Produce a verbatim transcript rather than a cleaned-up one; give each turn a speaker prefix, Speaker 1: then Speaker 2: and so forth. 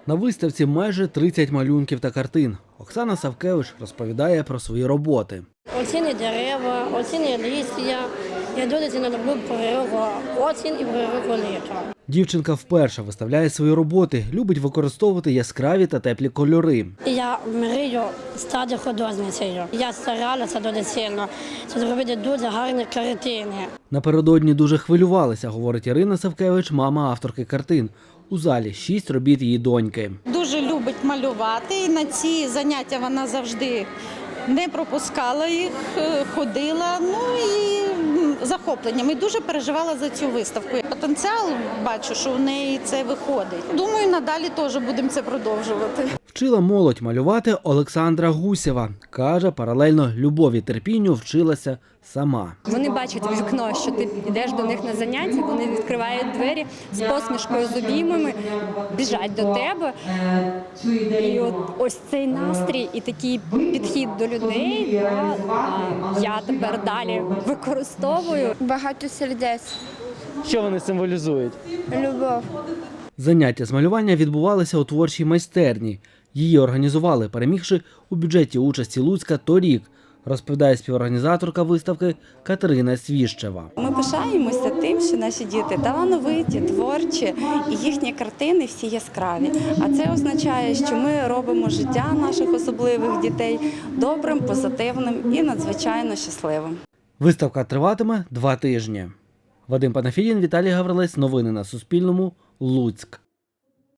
Speaker 1: На виставці майже тридцять малюнків та картин. Оксана Савкевич розповідає про свої роботи.
Speaker 2: Оціні дерева, оціні листя. Я дуже сильно люблю природну осінь і природну літо.
Speaker 1: Дівчинка вперше виставляє свої роботи, любить використовувати яскраві та теплі кольори.
Speaker 2: Я мрію стати художницею. Я старалася дуже сильно зробити дуже гарні картини.
Speaker 1: Напередодні дуже хвилювалася, говорить Ірина Савкевич, мама авторки картин. У залі шість робіт її доньки.
Speaker 3: Дуже любить малювати, і на ці заняття вона завжди не пропускала їх, ходила, ну і захопленням. І дуже переживала за цю виставку. Потенціал бачу, що в неї це виходить. Думаю, надалі теж будемо це продовжувати.
Speaker 1: Вчила молодь малювати Олександра Гусєва. Каже, паралельно любові терпінню вчилася сама.
Speaker 4: Вони бачать в вікно, що ти йдеш до них на заняття, вони відкривають двері з посмішкою, з обіймами, біжать до тебе. І от ось цей настрій і такий підхід до людей да, я тепер далі використовую.
Speaker 5: Багато сердець,
Speaker 1: Що вони символізують?
Speaker 5: любов.
Speaker 1: Заняття з малювання відбувалися у творчій майстерні. Її організували, перемігши у бюджеті участі Луцька торік, розповідає співорганізаторка виставки Катерина Свіщева.
Speaker 6: Ми пишаємося тим, що наші діти талановиті, творчі і їхні картини всі яскраві. А це означає, що ми робимо життя наших особливих дітей добрим, позитивним і надзвичайно щасливим.
Speaker 1: Виставка триватиме два тижні. Вадим Панафідін, Віталій Гаврилець. Новини на Суспільному. Луцьк.